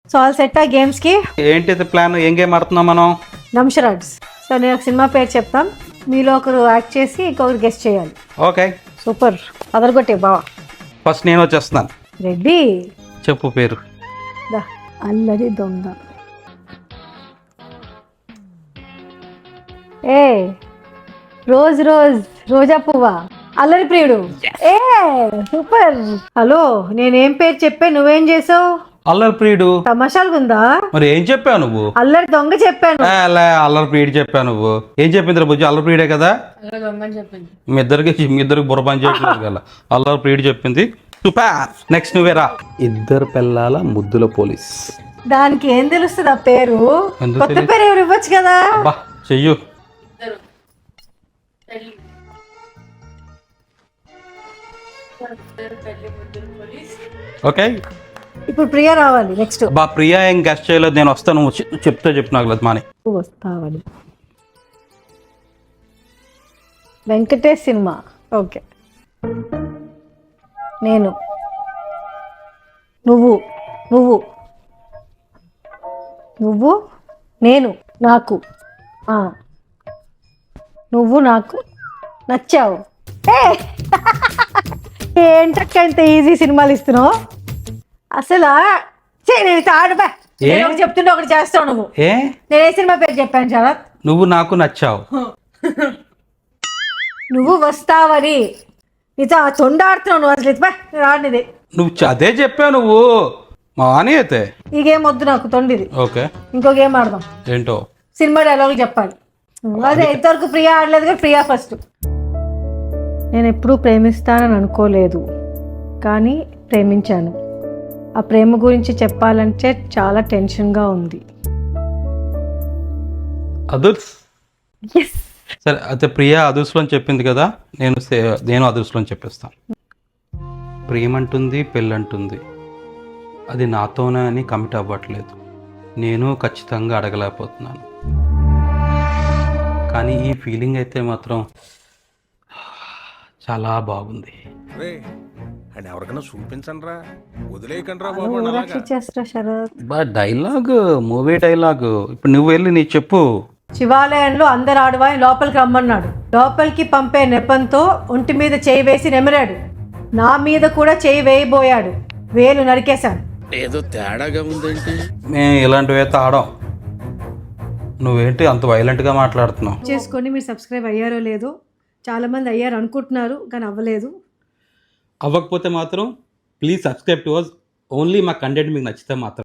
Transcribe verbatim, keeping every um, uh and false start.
So all set ఆ games కి. ఏంటి ప్లాన్? ఏం గేమ్ ఆడుతున్నాం మనం? దంషరాడ్స్. సో నేను ఒక సినిమా పేరు చెప్తాం, మీలో ఒకరు యాక్ట్ చేసి ఇంకొకరు గెస్ట్ చేయాలి. ఓకే సూపర్, అదరగొట్టే బావా. ఫస్ట్ నేను వచ్చేస్తున్నాను. రెడ్డి, చెప్పు పేరు. దా. అల్లరి దొంగ. ఏ రోజ్ రోజ్ రోజా పువ్వా. అల్లరి ప్రియుడు. ఏ సూపర్. హలో, నేనేం పేరు చెప్పా, నువ్వేం చేసావు? అల్లరి ప్రియుడు. తమాషాలుగా ఉందా? మరి ఏం చెప్పావు నువ్వు? అల్లరి దొంగ చెప్పాను. ఏ, లే, అల్లరి ప్రియుడు చెప్పావు నువ్వు. ఏం చెప్పింది బుజ్జి? అల్లరి ప్రియుడే కదా. మీ ఇద్దరికి మీ ఇద్దరికి బుర్ర పని చేయట్లేదు కదా. అల్లరి ప్రియుడు చెప్పింది. సూపర్. నెక్స్ట్ నువ్వేరా. ఇద్దరు పిల్లల ముద్దుల పోలీస్. దానికి ఏం తెలుస్తుంది ఆ పేరు? ఎందుకు కొత్త తెలీదు? పేరు ఎవరు ఇవ్వచ్చు కదా. బా చెయ్యు. ఓకే, ఇప్పుడు ప్రియా రావాలి నెక్స్ట్. బా ప్రియా ఏం గెస్ట్ చేయలేదు, నేను వస్తాను. నువ్వు చె- చెప్తే చెప్పు నాకు లేదు మాని. వస్తావని. వెంకటేష్ సినిమా. ఓకే. నేను, నువ్వు, నువ్వు, నువ్వు, నేను, నాకు, ఆ, నువ్వు నాకు నచ్చావు. ఏ! ఏంటక్క ఇంత ఈజీ సినిమాలు ఇస్తున్నావు అసలు? చే, నేను ఇట్లా ఆడబా. ఏ? నేను ఒకటి చెప్తుంటే ఒకటి చేస్తావు నువ్వు. ఏ నేను ఏ సినిమా పేరు చెప్పాను శరత్? నువ్వు నాకు నచ్చావు. నువ్వు వస్తావని. నీతో ఆ తొండాడుతున్నావు నువ్వు అసలు. ఇదిపా రానిది. నువ్వు చ- అదే చెప్పావు నువ్వు. మాని అయితే ఈ గేమ్ వద్దు నాకు, తొండిది. ఓకే. ఇంకో గేమ్ ఆడదాం. ఏంటో సినిమా డైలాగ్ చెప్పాలి. అదే ఇంతవరకు ప్రియా ఆడలేదు కదా, ప్రియా ఫస్ట్. నేను ఎప్పుడూ ప్రేమిస్తానని అనుకోలేదు, కానీ ప్రేమించాను. ఆ ప్రేమ గురించి చెప్పాలంటే చాలా టెన్షన్గా ఉంది. అదుర్స్. ఎస్. సరే అయితే ప్రియా అదుర్స్లో అని చెప్పింది కదా, నేను సే- నేను అదుర్స్లో అని చెప్పేస్తాను. ప్రేమంటుంది, పెళ్ళంటుంది, అది నాతోనే అని కమిట్ అవ్వట్లేదు. నేను ఖచ్చితంగా అడగలేకపోతున్నాను, కానీ ఈ ఫీలింగ్ అయితే మాత్రం చాలా బాగుంది. అండ్ ఎవరికైనా చూపించండి రా, వదిలేయకండి రా బాబు. ఊరాక్షి చేస్తా శరత్. బా డైలాగ్, మూవీ డైలాగ్. ఇప్పుడు నువ్వు వెళ్ళి నీ చెప్పు. శివాలయంలో అందరు ఆడవాయి లోపలికి రమ్మన్నాడు. లోపలికి పంపే నెపంతో ఒంటి మీద చేయి వేసి నెమిరాడు. నా మీద కూడా చేయి వేయబోయాడు. వేలు నరికేశాను. ఏదో తేడాగా ఉందేంటి? మేము ఇలాంటివి అయితే ఆడాం. నువ్వేంటి అంత వైలెంట్గా మాట్లాడుతున్నావు? చేసుకొని మీరు సబ్స్క్రైబ్ అయ్యారో లేదో, చాలామంది అయ్యారు అనుకుంటున్నారు కానీ అవ్వలేదు. అవ్వకపోతే మాత్రం please subscribe to us. Only మా కంటెంట్ మీకు నచ్చితే మాత్రం.